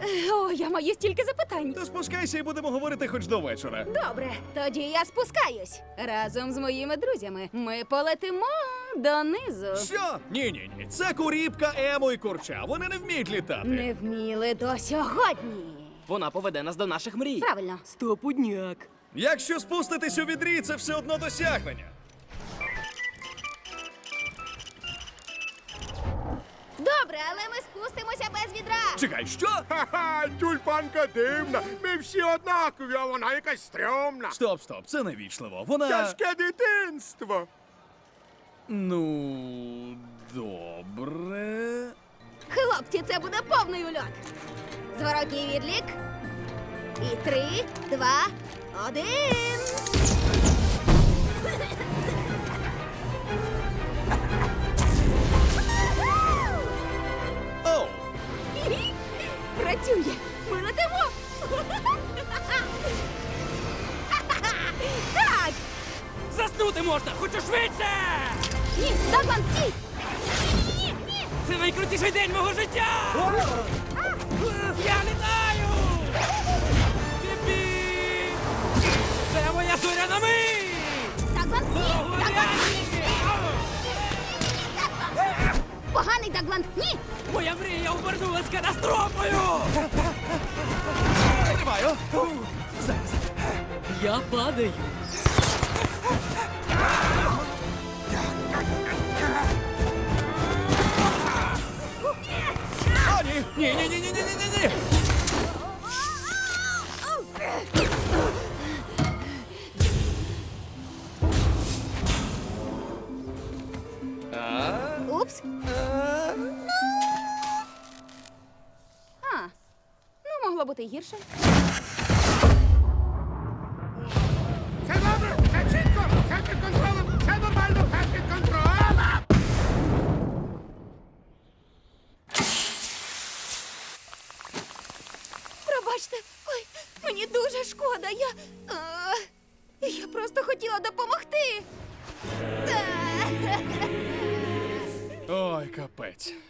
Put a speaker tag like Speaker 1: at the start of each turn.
Speaker 1: О, я маю стільки запитань.
Speaker 2: То спускайся і будемо говорити хоч до вечора.
Speaker 1: Добре, тоді я спускаюсь. Разом з моїми друзями ми полетимо донизу.
Speaker 2: Що? Ні. Це Куріпка, Емо і Курча. Вони не вміють літати.
Speaker 1: Не вміли до сьогодні.
Speaker 3: Вона поведе нас до наших мрій.
Speaker 1: Правильно.
Speaker 3: Стопудняк.
Speaker 2: Якщо спуститись у відрі, це все одно досягнення.
Speaker 1: Добре, але ми спустимося без відра.
Speaker 2: Чекай, що?
Speaker 4: Ха-ха, тюльпанка дивна. Ми всі однакові, а вона якась стрьомна.
Speaker 2: Стоп, це невічливо. Вона.
Speaker 4: Тяжке дитинство.
Speaker 2: Ну, добре.
Speaker 1: Хлопці, це буде повний ульот. Зворотній відлік. І 3, 2, 1.
Speaker 2: Оу!
Speaker 1: Працює! Ми летимо! Так!
Speaker 3: Заснути можна, хочу швидше!
Speaker 1: Ні, Даглан, стій! Ні!
Speaker 3: Це найкрутіший день мого життя! Я літаю! Пі-пі! Це моя зоряна мить!
Speaker 1: Даглан, ні! Даглан, поганий Даглан, ні!
Speaker 3: Моя мрія обернулась катастрофою!
Speaker 2: Тримаю!
Speaker 3: Я падаю.
Speaker 2: О, ні!
Speaker 1: Упс. Ну, могло бути й гірше.
Speaker 4: Все добре, все чітко, все під контролем, все нормально, все під контролем.
Speaker 1: Пробачте, ой, мені дуже шкода. Я просто хотіла допомогти.
Speaker 2: Ой, капець.